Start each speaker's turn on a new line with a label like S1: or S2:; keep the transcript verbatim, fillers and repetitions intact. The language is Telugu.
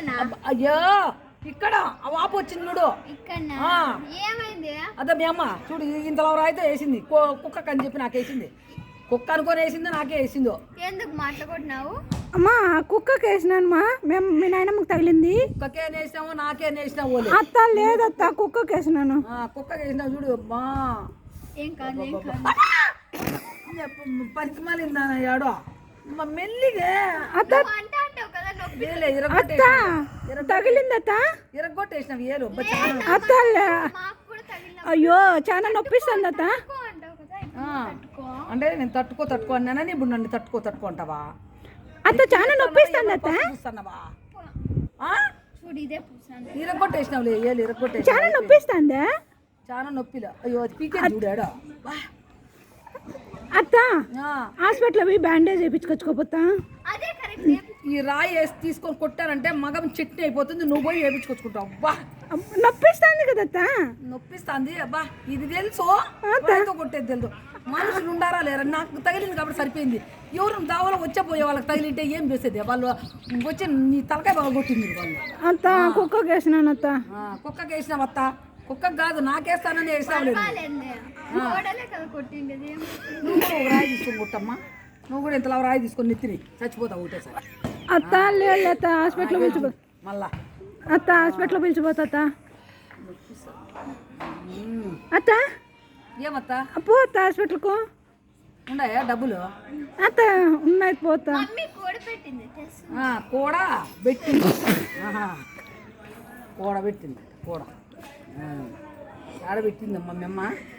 S1: అయ్యో ఇక్కడ వాపు వచ్చింది చూడు. అదే మీ అమ్మ చూడు ఇంతలో రాయితే వేసింది. కుక్క అని చెప్పి నాకు వేసింది. కుక్క అనుకొని వేసిందో నాకే వేసిందో.
S2: ఎందుకు మాట్లాడుకుంటున్నావు?
S3: అమ్మా కుక్కకి వేసినాను మా మేము మీ నాయనమ్మకి తగిలింది.
S1: కుక్కకే వేసినావు నాకే వేసినావు.
S3: అత్త లేదత్త కుక్కకి వేసినాను.
S1: కుక్కకి వేసినావు చూడు అమ్మా.
S2: ఏం కాదు
S1: పనికి మాలిందా యాడో మెల్లిగా
S3: అత్త తగిలింది అత్త
S1: ఇరగొట్టేసినావు ఏలు.
S3: అత్త అయ్యో చాలా నొప్పిస్తుంది అత్త.
S1: అంటే నేను తట్టుకో తట్టుకో అన్నానని ఇప్పుడు నన్ను తట్టుకో తట్టుకో అంటావా?
S3: అత్త చాలా నొప్పిస్తుంది అత్త.
S1: చూస్తున్నావా?
S2: చూడు ఇదే
S1: ఇరగొట్టేసినావు లే ఏలు ఇరగొట్టేసి
S3: చాలా నొప్పిస్తుందా?
S1: చాలా నొప్పిలో అయ్యో అది పీకే చూడాడు.
S3: అత్త హాస్పిటల్ పోయి బ్యాండేజ్ వేయించుకొచ్చుకోపోతా.
S1: ఈ రాయి వేసి తీసుకొని కొట్టారంటే మగం చట్నీ అయిపోతుంది. నువ్వు పోయి వేయించుకొచ్చుకుంటావు. అబ్బా
S3: నొప్పిస్తుంది కదా అత్త.
S1: నొప్పిస్తుంది అబ్బా. ఇది తెలుసు రాయితో కొట్టేది తెలుసు. మనుషులు ఉండారా లేరా? నాకు తగిలింది కాబట్టి సరిపోయింది. ఎవరు దావలో వచ్చే పోయే వాళ్ళకి తగిలింటే ఏం చేసేది? వాళ్ళు వచ్చి నీ తలకాయ బాగా కొట్టింది వాళ్ళు.
S3: అత్త కుక్కకి వేసినాను అత్త.
S1: కుక్కకి వేసినావు అత్త. కుక్కకి కాదు నాకేస్తానని వేసినావు లేదు. నువ్వు రాయి తీసుకొని కొట్టమ్మా. నువ్వు కూడా ఇంతలా రాయి తీసుకొని నెత్తిని చచ్చిపోతావు ఒకటేసారి.
S3: అత్త లేదు అత్త హాస్పిటల్ పిలిచిపో
S1: మళ్ళా
S3: అత్త హాస్పిటల్ పిలిచిపోతా అత్త. అత్త
S1: ఏమత్తా
S3: పో అత్త హాస్పిటల్కు.
S1: ఉన్నాయా డబ్బులు?
S3: అత్త ఉన్నాయి పోతా.
S1: కూడ పెట్టింది. కూడ పెట్టింది కూడ ఆడబెట్టిందమ్మా మీ అమ్మ.